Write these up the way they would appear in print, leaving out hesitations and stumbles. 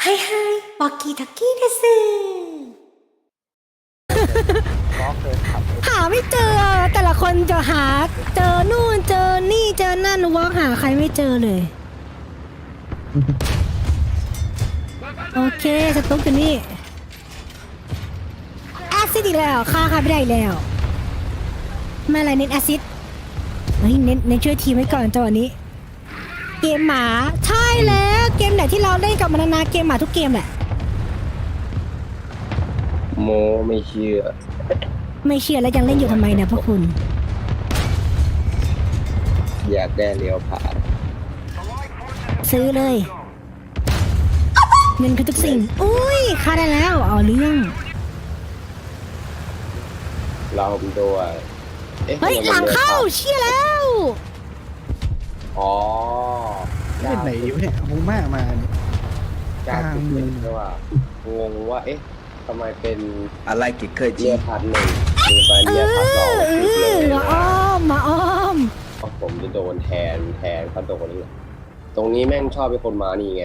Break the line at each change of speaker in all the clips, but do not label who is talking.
はいはい、ワキタキです。หาไม่เจอแต่ละคนจะหาเจอนู่นเจอนี่เจอนั่นวอล์กหาใครไม่เจอเลย โอเคสตุ๊กอยู่นี่แอซิดอีกแล้วฆ่าใครไม่ได้อีกแล้วไม่อะไรเน้นแอซิดเฮ้ยเน้นช่วยทีมไว้ก่อนจังหวะนี้ เกมหมาใช่แล้วเกมไหนที่เราเล่นกับมันนาเกมหมาทุกเกมแหละ
โมไม่เชื่อ
ไม่เชื่อแล้วยังเล่นอยู่ทำไมเนี่ยพวกคุณ
อยากได้เลี้ยวผ่าน
ซื้อเลยเงินคือทุกสิ่งอุ้ยค่าได้แล้วเอาเรื่อง
เราผมดูอ่ะ
เฮ้ยหลังเข้าเชี่ยแล้ว
อ๋อ
เล่นไหนวะเนี่ยมูม่ามาเนี่ย
กลางเมืองด้วยว่างงว่าเอ๊ะทำไมเป็น
อะไรกิเคย
เลี
จี
ยพันหนึ่งมีไปเลียพันสอง
มาอ้อมมาอ้อม
ผมจะโดนแทนเขาโดนนี่ตรงนี้แม่งชอบเป็นคนมานี่ไง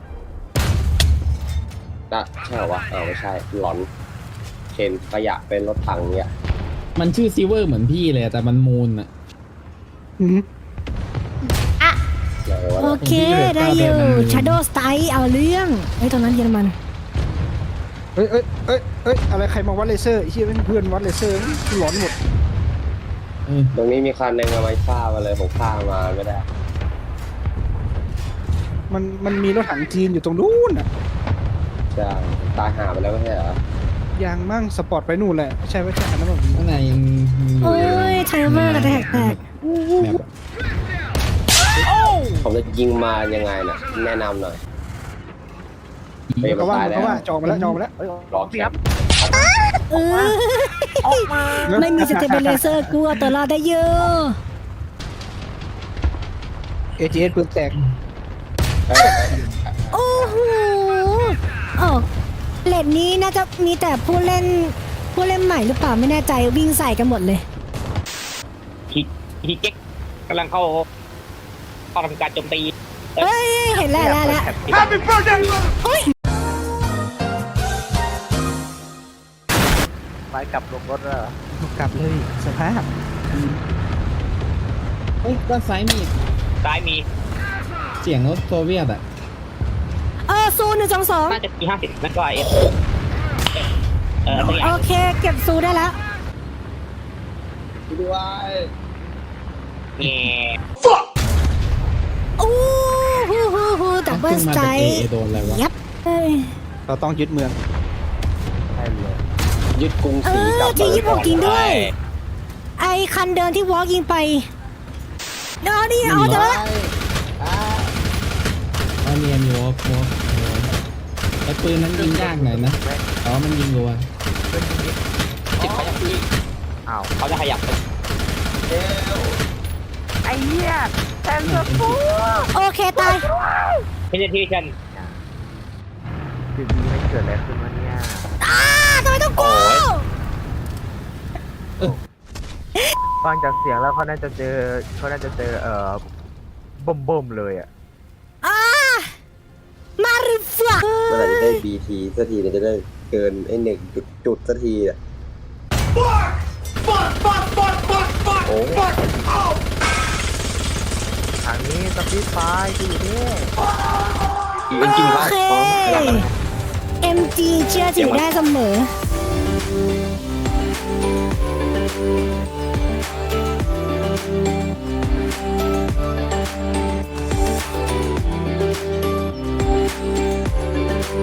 ใช่เหรอวะไม่ใช่หลอนเข็นขยะเป็นรถถังเนี่ย
มันชื่อซิเวอร์เหมือนพี่เลยแต่มันมูนอะ
อะไรวะ
โอเคได้อยู่ Shadow Style เอาเรื่องไอ้ตรงนั้นเยอรมัน
เอ้ยอะไรใครมาวัดเลเซอร์ไอ้เหี้ยเป็นเพื่อนวัดเลเซอร์หลอนหมด
ตรงนี้มีคันหนึ่งเอาไว้ฆ่ามาเลยผมฆ่ามาไม่ได้
มันมีรถถังจีนอยู่ตรงนู้นอ่ะ
จะตายหาไปแล้วไม่ใช่เหรอ
ยางมั่งสปอร์ตไปนู่นแหละใช่ไหมใช่อันนั้นแบบ
ข้างในยังมี
โอ้ยไทเวอร์กระแทกแตก
แบบ
ผมจะยิงมายังไงน่ะแนะนำหน่อยเฮ้ยมัน
เขาว่า
ตายแล้ว
เขาว่าจองมาแล้วเอ้ย
รอแคป
เออไม่มีสเตเบลเซอร์กลัวตัวรอดได้เยอะ
AGS ปืนแตก
โอ้โหอ๋อเลดนี้น่าจะมีแต่ผู้เล่นใหม่หรือเปล่าไม่แน่ใจวิ่งใส่กันหมดเลย
ฮีเก๊กกำลังเข้าทำการโจมตี
เฮ้ยเห็นแล้วโอ้ย
ไปกลับลงรถแล้ว
กลับเลยสภาพ
เฮ้ยด้านซ้ายมี
ซ้ายมี
เสียงรถโซเวียตอะ
ซู122
น่าจะมี50นั่นก็เอฟตัวอย่า
โอง เคเก็บซูได้แล้ว
ด้วย
แง่
โอ้ฮูดับเบิลสไตร์
โดนอะไรวะ
ยับเอ้ย
เราต้องยึดเมือง
ยึดกรุงศรีกลับ
ที่ญี่ปุ่นจริงด้วย ไอคันเดินที่วอล์กยิงไปเดี๋ยวนี่เอาเถอะ
เอาเนียนอยู่วอล์กไอ้ปืนนั้นยิงยากหน่อยนะแต่ว่ามันยิงรัว
จิตเขาจะพี่อ้าวเขาจะขยับไป
โอเคตาย
เพนเทชัน
ทำไมต้องกู
ฟังจากเสียงแล้วเขาน่าจะเจอบ่มเลยอ่ะ
มาริฟ้า
เมื่อไหร่จะได้ BT สักทีเนี่ยจะได้เกินไอ้1 จุดสักทีอ่ะโอ้
ทางนี้สปีดไฟที่อยู่นี่
จริงๆ
โอเค MG เชื่อถือได้เสมอ